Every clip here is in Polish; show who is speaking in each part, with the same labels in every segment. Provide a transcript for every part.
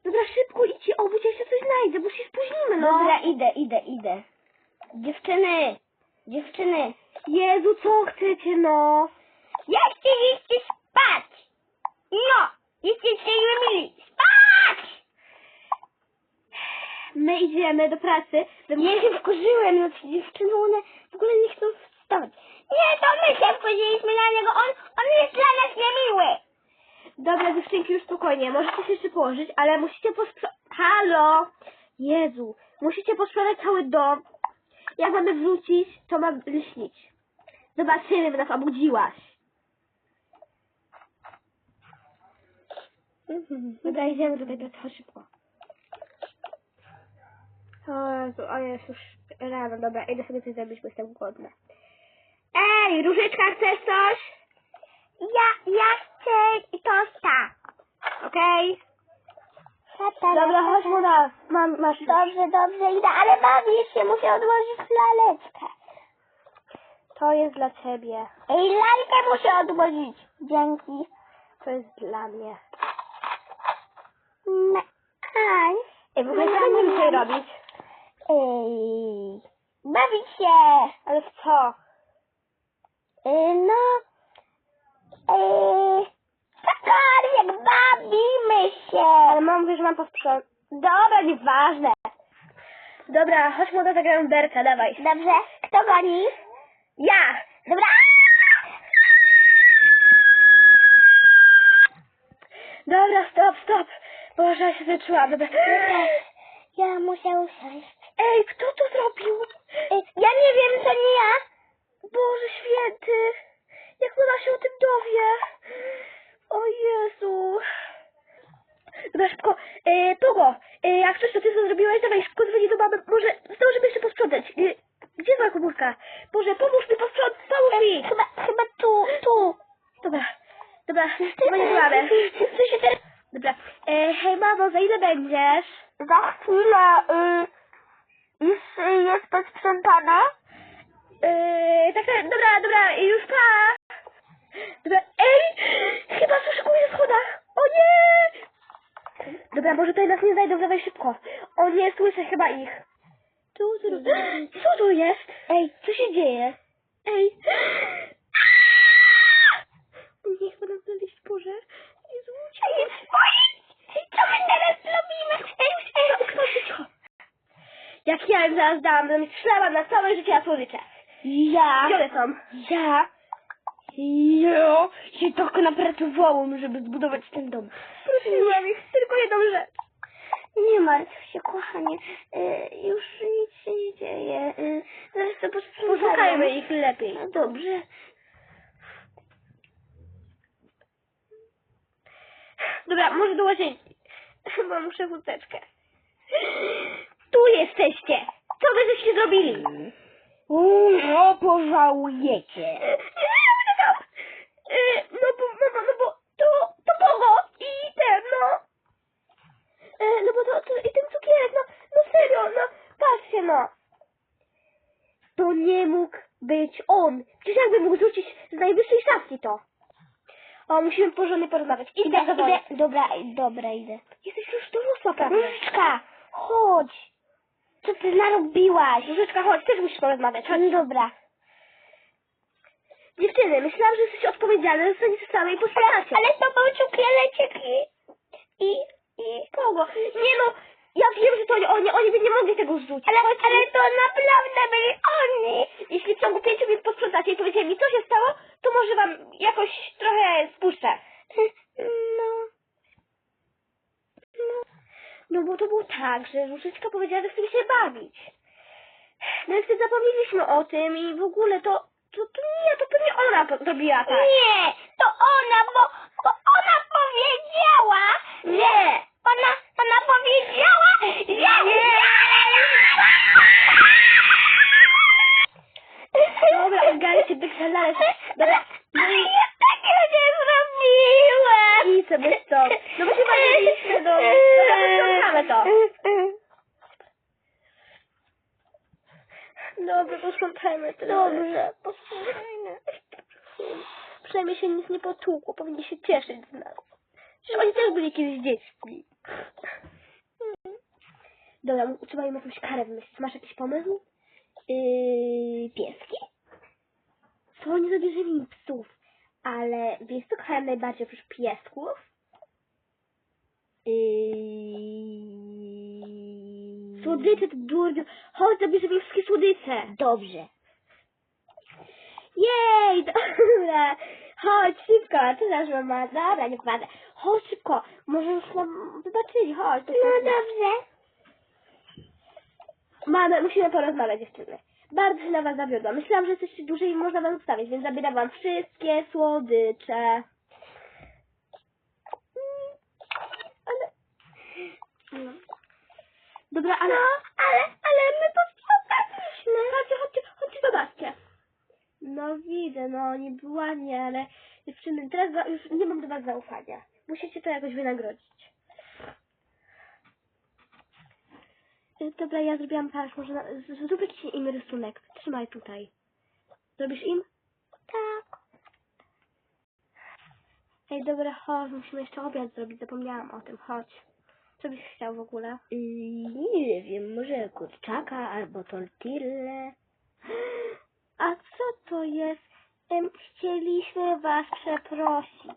Speaker 1: Dobra, szybko idźcie obudź, ja się coś znajdę, bo się spóźnimy, no.
Speaker 2: Dobra, idę. Dziewczyny.
Speaker 1: Jezu, co chcecie, no?
Speaker 2: Ja chcieliście spać. No, jesteście mili. Spać!
Speaker 1: My idziemy do pracy.
Speaker 2: Ja się wkurzyłem na te dziewczyny, one w ogóle nie chcą wstawać. Nie, to my się wkurzyliśmy na niego, on jest dla nas niemiły.
Speaker 1: Dobra, dziewczynki, już spokojnie, możecie się jeszcze położyć, ale musicie posprzątać... Halo! Jezu, musicie posprzątać cały dom. Jak mamy wrócić, to ma lśnić. Zobaczymy, by nas obudziłaś. Dobra, idziemy do tej pracy, chodź szybko. O Jezu, o jest już rano, dobra, idę sobie coś zrobić, bo jestem głodna. Ej, Różyczka, chcesz coś?
Speaker 2: Ja chcę tosta.
Speaker 1: Okej? Dobra, chodź mu nas. Masz.
Speaker 2: Dobrze, idę, ale bawię się, muszę odłożyć laleczkę.
Speaker 1: To jest dla ciebie.
Speaker 2: Ej, lalkę muszę odłożyć. Dzięki.
Speaker 1: To jest dla mnie.
Speaker 2: Aj.
Speaker 1: Ej, w ogóle co będziemy dzisiaj robić?
Speaker 2: Ej, bawić się.
Speaker 1: Ale w co?
Speaker 2: Cokolwiek, bawimy się.
Speaker 1: Ale mam mówię, że mam posprzątać. Dobra, nieważne. Dobra, chodź mu zagramy berka, dawaj.
Speaker 2: Dobrze, kto goni?
Speaker 1: Ja!
Speaker 2: Dobra.
Speaker 1: Dobra, stop. Boże, ja się wyczułam. Dobra.
Speaker 2: Ja muszę usiąść.
Speaker 1: Ej, kto to zrobił?
Speaker 2: Ja nie wiem, to nie ja.
Speaker 1: Boże święty. Jak ona się o tym dowie? O Jezu. Dobra, szybko. Pogo, jak coś to ty co zrobiłeś, dawaj szybko dzwoni do mamy. Może zdążymy jeszcze posprzątać. Gdzie jest moja komórka? Boże, pomóż mi posprzątać, pomóż mi.
Speaker 2: Chyba tu.
Speaker 1: Dobra, chyba nie mamy.
Speaker 2: Co się teraz...
Speaker 1: Dobra, hej mamo, za ile będziesz?
Speaker 2: Za chwilę, już jest posprzątane?
Speaker 1: Tak, dobra, już pa. Dobra, ej, chyba słyszę kogoś na schodach. O nie! Dobra, może tutaj nas nie znajdą, dawaj szybko. O nie, słyszę chyba ich. Co tu jest?
Speaker 2: Ej, co się dzieje?
Speaker 1: Ej. Nie chcę nas znaleźć, Boże. Jezu,
Speaker 2: Co my teraz robimy?
Speaker 1: cicho. Jak ja im zaraz dałam, to mi szlałam na całe życie na słodycze. Gdzie one są?
Speaker 2: Ja się tak napracowałam, żeby zbudować ten dom.
Speaker 1: Prosiłam ich tylko jedną rzecz.
Speaker 2: Nie martw się, kochanie. Już nic się nie dzieje. Zaraz to posprzątamy.
Speaker 1: Poszukajmy ich lepiej.
Speaker 2: No dobrze.
Speaker 1: Dobra, może do łazienki. Chyba muszę wódeczkę. Tu jesteście. Co wy żeście zrobili?
Speaker 2: No, pożałujecie.
Speaker 1: No bo to Pogo i ten, no. No bo to i ten cukierek, no serio, no patrzcie, no. To nie mógł być on. Przecież jakby mógł rzucić z najwyższej szafki to. O, musimy porządnie porozmawiać. Idę.
Speaker 2: Dobra, idę.
Speaker 1: Jesteś już dorosła, prawda?
Speaker 2: Różyczka, chodź. Co ty narobiłaś?
Speaker 1: Różyczka, chodź, też musisz porozmawiać. Chodź.
Speaker 2: Dobra.
Speaker 1: Dziewczyny, myślałam, że jesteś odpowiedzialne, że zostaniecie same i posprzątacie.
Speaker 2: Ale to był cukiereczek i
Speaker 1: Kogo? Nie no, ja wiem, że to oni by nie mogli tego zrzucić.
Speaker 2: ale to naprawdę byli oni.
Speaker 1: Jeśli w ciągu 5 minut posprzątacie i powiecie mi, co się stało, to może wam jakoś trochę spuszczę. No bo to było tak, że Różyczka powiedziała, że chcemy się bawić. No i wtedy zapomnieliśmy o tym i w ogóle to pewnie ona zrobiła tak.
Speaker 2: Nie, to ona, bo ona powiedziała,
Speaker 1: Nie.
Speaker 2: Ona powiedziała, że...
Speaker 1: Nie. Dobra, ogarnij się, wykrzyżale się. Dobra.
Speaker 2: Ja takiego nie zrobiłam.
Speaker 1: I sobie stąd. No bo się bawiliśmy, no. Dobra, posprzątamy to. Dobra, posprzątajmy to.
Speaker 2: Dobrze, posłuchajmy.
Speaker 1: Przynajmniej się nic nie potłukło, powinni się cieszyć z nas. Przecież oni też byli kiedyś dziećmi. Dobra, trzeba im jakąś karę wymyślić. Masz jakiś pomysł?
Speaker 2: Pieski?
Speaker 1: To nie zabierzemy im psów, ale wiesz co kochałem najbardziej oprócz piesków? Słodycze to durniu. Chodź, zabierzemy im wszystkie słodycze.
Speaker 2: Dobrze.
Speaker 1: Jej, dobra. Chodź, szybko. Co nasz mama? Dobra, nie ważne. Chodź szybko. Może już nam wybaczyli. Chodź.
Speaker 2: No dobrze.
Speaker 1: Mamy, musimy porozmawiać, dziewczyny. Bardzo się na was zawiodłam. Myślałam, że jesteście dłużej i można wam zostawić, więc zabieram wam wszystkie słodycze. Ale... No. Dobra, ale...
Speaker 2: No, ale my posprzątaliśmy.
Speaker 1: Chodźcie, zobaczcie. No widzę, no niby ładnie, ale dziewczyny, teraz już nie mam do was zaufania. Musicie to jakoś wynagrodzić. Dobra, ja zrobiłam patrz, może zrób jakiś im rysunek. Trzymaj tutaj. Zrobisz im?
Speaker 2: Tak.
Speaker 1: Ej, dobra, chodź, musimy jeszcze obiad zrobić, zapomniałam o tym, chodź. Co byś chciał w ogóle?
Speaker 2: Nie wiem, może kurczaka albo tortillę.
Speaker 1: A co to jest? Chcieliśmy was przeprosić,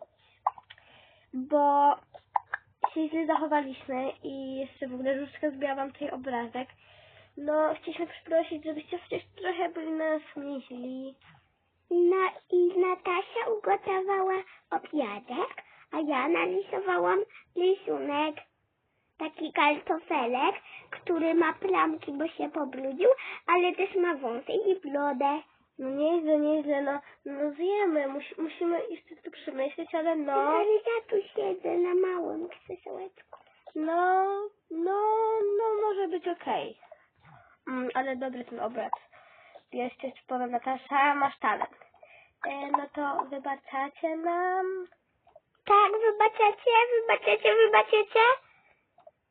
Speaker 1: bo się źle zachowaliśmy i jeszcze w ogóle Różdżka zbiła wam tutaj obrazek. No, chcieliśmy przeprosić, żebyście chociaż trochę byli nas mili.
Speaker 2: No i Natasia ugotowała obiadek, a ja narysowałam rysunek. Taki kartofelek, który ma plamki, bo się pobrudził, ale też ma wąsy i brodę.
Speaker 1: No nieźle, no zjemy, musimy jeszcze to przemyśleć, ale no.
Speaker 2: Ale ja tu siedzę na małym krzesełeczku.
Speaker 1: No, może być okej. Ale dobry ten obraz. Jeszcze ci powiem, Natasza, masz talent. No to wybaczacie nam?
Speaker 2: Tak, wybaczycie?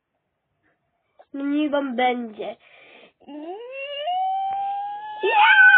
Speaker 1: Niech wam będzie.
Speaker 2: Ja!